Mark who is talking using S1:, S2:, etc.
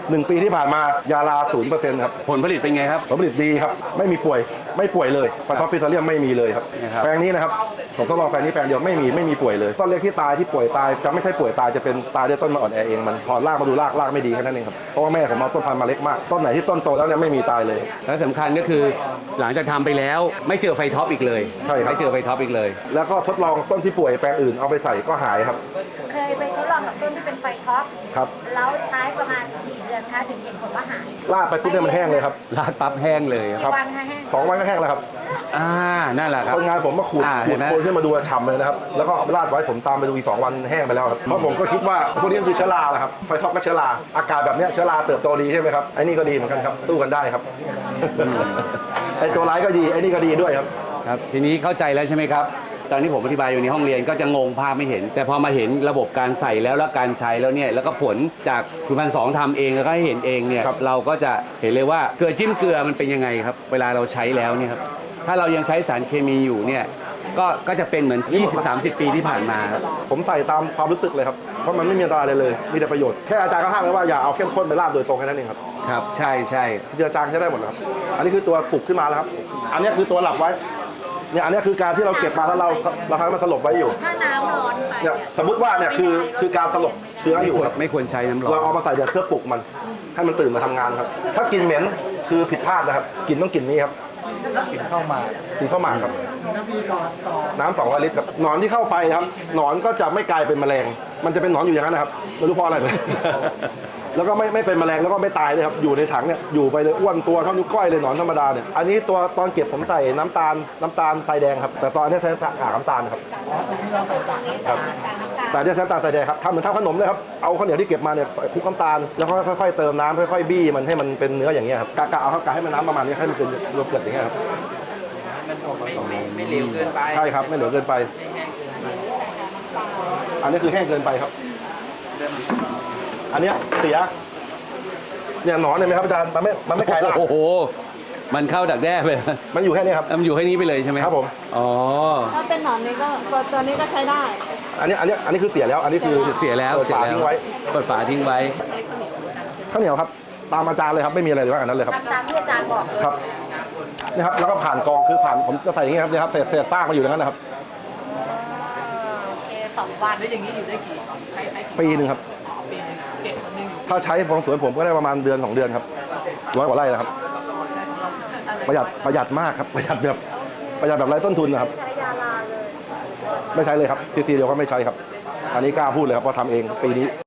S1: 1 ปีที่ผ่านมายาลา 0% ครับ
S2: ผลผลิตเป็นไงครับ
S1: ผลผลิตดีครับไม่มีป่วยเลยไฟท็อปฟิซาเลียมไม่มีเลยครับแปลงนี้นะครับผมทดลองแปลงนี้แปลงเดียวไม่มีป่วยเลยต้นเล็กที่ตายที่ป่วยตายจะไม่ใช่ป่วยตายจะเป็นตายด้วยต้นมันอ่อนแอเองมันพอรากมาดูรากไม่ดีแค่นั้นเองครับเพราะว่าแม่ผมเอาต้นพันธุ์มาเล็กมากต้นไหนที่ต้นโตแล้วเนี่ยไม่มีตายเลย
S2: และสำคัญก็คือหลังจากทำไปแล้วไม่เจอไฟท็อปอีกเลย
S1: ใช่ครับ
S2: ไม่เจอไฟท็อปอีกเลย
S1: แล้วก็ทดลองต้นที่ป่วยแปลงอื่นเอาไปใส่ก็หายครับ
S3: เคยไปทดลองกับต้นที่เป็นไฟท็อป
S1: ครับ
S3: แล้วใช้ประมาณกี่เดือนคะถึงเห็นผลว่าหาย
S1: ลาดไปปุ๊บเนี่ยมันแห้งเลยครับ
S2: ลาดปั๊บแห้งเลย
S1: ครับ
S3: วันแห้ง
S1: 2 วันก็แห้งแล้วครับ
S2: นั่นแหละครับ
S1: คนงานผมมาขูดโคนขึ้นมาดูฉ่ำเลยนะครับแล้วก็ลาดไว้ผมตามไปดูอีก2 วันแห้งไปแล้วครับเพราะผมก็คิดว่าพวกนี้คือเชื้อราแหละครับไฟท็อปก็เชื้อราอากาศแบบนี้เชื้อราเติบโตดีใช่ไหมครับไอ้นี่ก็ดีเหมือนกันครับสู้กันได้ครับไอ้ตัวร้ายก็ดีไอ้นี่ก็ดีด้วยครับ
S2: ครับทีนี้เข้าใจแล้วใช่ไหมครับตอนนี้ผมอธิบายอยู่ในห้องเรียนก็จะงงภาพไม่เห็นแต่พอมาเห็นระบบการใส่แล้วการใช้แล้วเนี่ยแล้วก็ผลจากคุณพันสองทำเองแล้วก็ให้เห็นเองเนี่ยเราก็จะเห็นเลยว่าเกลือจิ้มเกลือมันเป็นยังไงครับเวลาเราใช้แล้วเนี่ยครับถ้าเรายังใช้สารเคมีอยู่เนี่ยก็จะเป็นเหมือน 20-30 ปีที่ผ่านมาครับ
S1: ผมใส่ตามความรู้สึกเลยครับเพราะมันไม่มีอันตรายเลยมีแต่ประโยชน์แค่อาจารย์ก็ห้ามไว้ว่าอย่าเอาเข้มข้นไปราดโดยตรงแค่นั้นเองครับ
S2: ครับใช่
S1: ที่อาจารย์ใช้ได้หมดครับอันนี้คือตัวปลุกขึ้นมาแล้วครับอันนี้คือตัวหลับไว้เนี่ยอันนี้คือการที่เราเก็บมาแล้วเราทำให้มันสลบไว้อยู่
S3: ถ้าน้ำร้อนไป
S1: เนี่ยสมมติว่าเนี่ยคือการสลบเชื้ออยู่
S2: ไม่ควรใช้น้ำร้อน
S1: เราเอามาใส่เดี๋ยวเพื่อปลุกมันให้มันตื่นมาทำงานครับถ้ากลิ่นเหม็นคือผิดพลาดนะครับกลิ่นต้องกลิ่นนี้ครับ
S2: กินเข้ามา
S1: ครับน้ำ200 ลิตรครับหนอนที่เข้าไปครับหนอนก็จะไม่กลายเป็นแมลงมันจะเป็นหนอนอยู่อย่างนั้นนะครับไม่รู้เพราะอะไรเลยแล้วก็ไม่เป็นแมลงแล้วก็ไม่ตายเลยครับอยู่ในถังเนี่ยอยู่ไปเลยอ้วนตัวเท่านิ้วก้อยเลยหนอนธรรมดาเนี่ยอันนี้ตัวตอนเก็บผมใส่น้ำตาลทรายแดงครับแต่ตอนนี้ใช้กากน้ำตาลครับแต่เนี่ยใช้น้ำตาลทรายแดงครับทำเหมือนทำขนมเลยครับเอาข้าวเหนียวที่เก็บมาเนี่ยใส่คลุกน้ำตาลแล้วค่อยๆเติมน้ำค่อยๆบี้มันให้มันเป็นเนื้ออย่างเงี้ยครับกะเอาให้มันน้ำประมาณนี้ให้มันเป็นโยเกิร์ตอย่างเงี้ยครับ
S4: ไม่เหลวเกินไป
S1: ใช่ครับไม่เหลวเกินไปอันนี้คือแห้งเกินไปครับอันนี้เสียเนี่ยหนอนเนี่ยไหมครับอาจารย์มันไม่ไกลหรอก
S2: โอ้โหมันเข้าดักแด้ไป
S1: มันอยู่แค่นี้ครับ
S2: มันอยู่แค่นี้ไปเลยใช่ไหม
S1: ครับผม
S3: ถ้าเป็นหนอนนี่ก็ตัวนี้ก็ใช้ได้
S1: อันนี้คือเสียแล้วอันนี้คือ
S2: เสียแล้ว
S1: เปิดฝาทิ้งไว้ข้าวเหนียวครับตามอาจารย์เลยครับไม่มีอะไรเลยว่าอันนั้นเลยครับ
S3: ตามที่อาจารย์บอก
S1: ครับนี่ครับแล้วก็ผ่านกองคือผ่านผมจะใส่อย่างนี้ครับนี่ครับเศษซากมาอยู่ในนั้นนะครับ
S3: โอเค2 วัน
S4: แล้วอย่างนี้อยู่ได้กี่
S1: ปีนึงครับถ้าใช้ของสวนผมก็ได้ประมาณ1-2 เดือนครับ100 กว่าไร่นะครับประหยัดมากครับประหยัดแบบไร้ต้นทุนนะครับ
S3: ใช้ยาลาเลย
S1: ไม่ใช้เลยครับซีเดียวก็ไม่ใช้ครับอันนี้กล้าพูดเลยครับว่าทำเองปีนี้